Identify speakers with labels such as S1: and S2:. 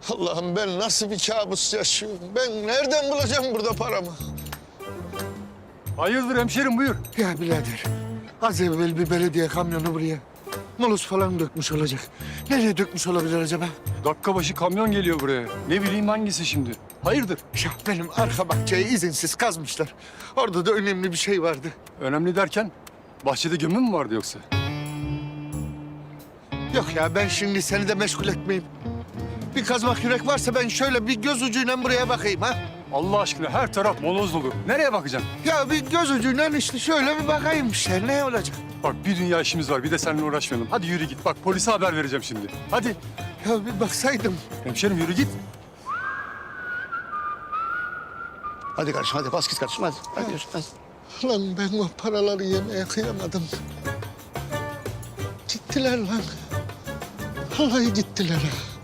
S1: Allah'ım ben nasıl bir kabus yaşıyorum? Ben nereden bulacağım burada paramı?
S2: Hayırdır hemşerim, buyur.
S1: Ya birader, az evvel bir belediye kamyonu buraya moloz falan dökmüş olacak. Nereye dökmüş olabilir acaba?
S2: Dakika başı kamyon geliyor buraya. Ne bileyim hangisi şimdi. Hayırdır?
S1: Ya benim arka bahçeyi izinsiz kazmışlar. Orada da önemli bir şey vardı.
S2: Önemli derken bahçede gömü mü vardı yoksa?
S1: Yok ya ben şimdi seni de meşgul etmeyeyim. Bir kazmak yürek varsa ben şöyle bir göz ucuyla buraya bakayım ha.
S2: Allah aşkına her taraf moloz dolu. Nereye bakacaksın?
S1: Ya bir göz ucuyla işte şöyle bir bakayım işte ne olacak?
S2: Bak bir dünya işimiz var. Bir de seninle uğraşmayalım. Hadi yürü git. Bak polise haber vereceğim şimdi. Hadi.
S1: Ya bir baksaydım.
S2: Hemşerim yürü git.
S3: Hadi kardeşim hadi bas git kardeşim hadi. Hadi yürü, hadi.
S1: Lan ben o paraları yemeye kıyamadım. Gittiler lan. Vallahi gittiler ha.